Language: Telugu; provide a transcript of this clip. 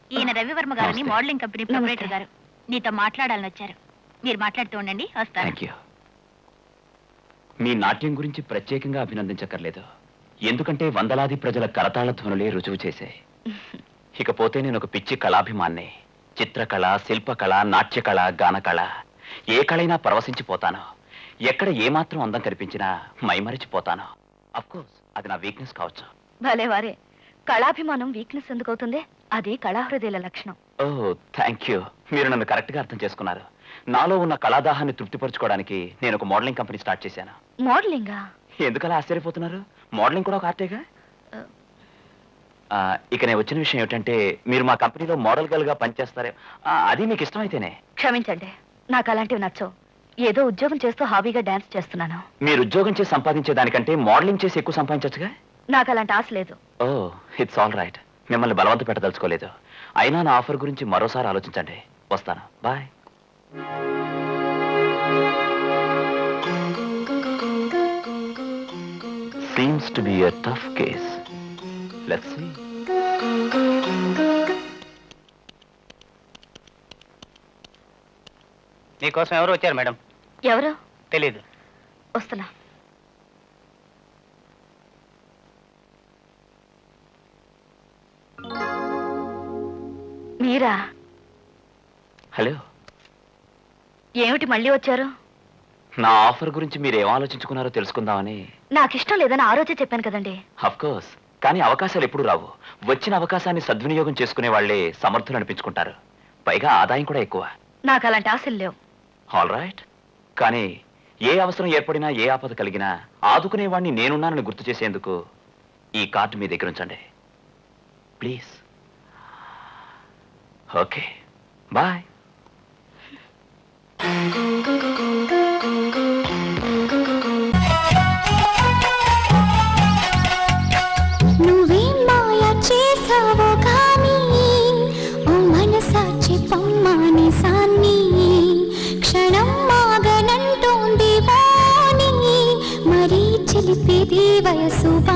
ఈయన రవివర్మ గారిని మోడలింగ్ కంపెనీ ప్రొపరేటర్ గారు నీతో మాట్లాడాలని వచ్చారు. మీరు మాట్లాడుతూ ఉండండి, వస్తాను. Thank you. మీ నాట్యం గురించి ప్రత్యేకంగా అభినందించక్కర్లేదు, ఎందుకంటే వందలాది ప్రజల కరతాళ ధ్వనులే రుజువు చేశాయి. ఇకపోతే నేను ఒక పిచ్చి కళాభిమాన్ని. చిత్రకళ, శిల్పకళ, నాట్యకళ, గానకళ, ఏ కళైనా పరవశించిపోతాను. ఎక్కడ ఏమాత్రం అందం కనిపించినా మైమరిచిపోతాను. అఫ్కోర్స్ అది నా వీక్నెస్ కావచ్చు. భలే వారే, కళాభిమానం వీక్నెస్ ఎందుకు అవుతుంది? అది కళాహృదయాల లక్షణం. ఓ థ్యాంక్ యూ, మీరు నన్ను కరెక్ట్ గా అర్థం చేసుకున్నారు. నాలో ఉన్న కళాదాహాన్ని తృప్తిపరచుకోవడానికి నేను ఒక మోడలింగ్ కంపెనీ స్టార్ట్ చేశాను. మోడలింగా? ఎందుకలా ఆశ్చర్యపోతున్నారు? మోడలింగ్ కూడా ఒక ఆర్టేగా. ఇక నేను వచ్చిన విషయం ఏమిటంటే, మీరు మా కంపెనీలో మోడల్ గర్ల్ గా పనిచేస్తారే, అది మీకు ఇష్టమైతేనే. క్షమించండి, నాకు అలాంటివి నచ్చవు. ఏదో ఉద్యోగం చేస్తూ హాబీగా డాన్స్ చేస్తున్నాను. మీరు ఉద్యోగం చేసి సంపాదించే దానికంటే మోడలింగ్ చేసి ఎక్కువ సంపాదించచ్చుగా. నాకు అలాంటి ఆశ లేదు. ఓ ఇట్స్ ఆల్ రైట్, మిమ్మల్ని బలవంత పెట్టదలుచుకోలేదు. అయినా నా ఆఫర్ గురించి మరోసారి ఆలోచించండి. వస్తాను, bye. Seems to be a tough case. Let's see. మీకోసం ఎవరు వచ్చారు మేడం? ఎవరు? తెలీదు. వస్తున్నా. మీరా? హలో, ఏమిటి మళ్ళీ వచ్చారు? నా ఆఫర్ గురించి మీరు ఏం ఆలోచించుకున్నారో తెలుసుకుందామని. నాకు ఇష్టం లేదని ఆ రోజే చెప్పాను కదండి. అఫ్ కోర్స్, కానీ అవకాశాలు ఎప్పుడు రావు. వచ్చిన అవకాశాన్ని సద్వినియోగం చేసుకునే వాళ్లే సమర్థులు అనిపించుకుంటారు. పైగా ఆదాయం కూడా ఎక్కువ. నాకు అలాంటి ఆశలు లేవు. ఆల్ రైట్, కానీ ఏ అవసరం ఏర్పడినా, ఏ ఆపద కలిగినా ఆదుకునేవాడిని నేనున్నానని గుర్తు చేసేందుకు ఈ కార్డు మీ దగ్గర ఉంచండి ప్లీజ్. Okay, bye. నువ్వేం మాయ చేసావో కానీ ఓ మనసాచి పమ్మాని సాన్ని క్షణం మాగనంటోంది వాణి మరీ చిలిపిది వయసు.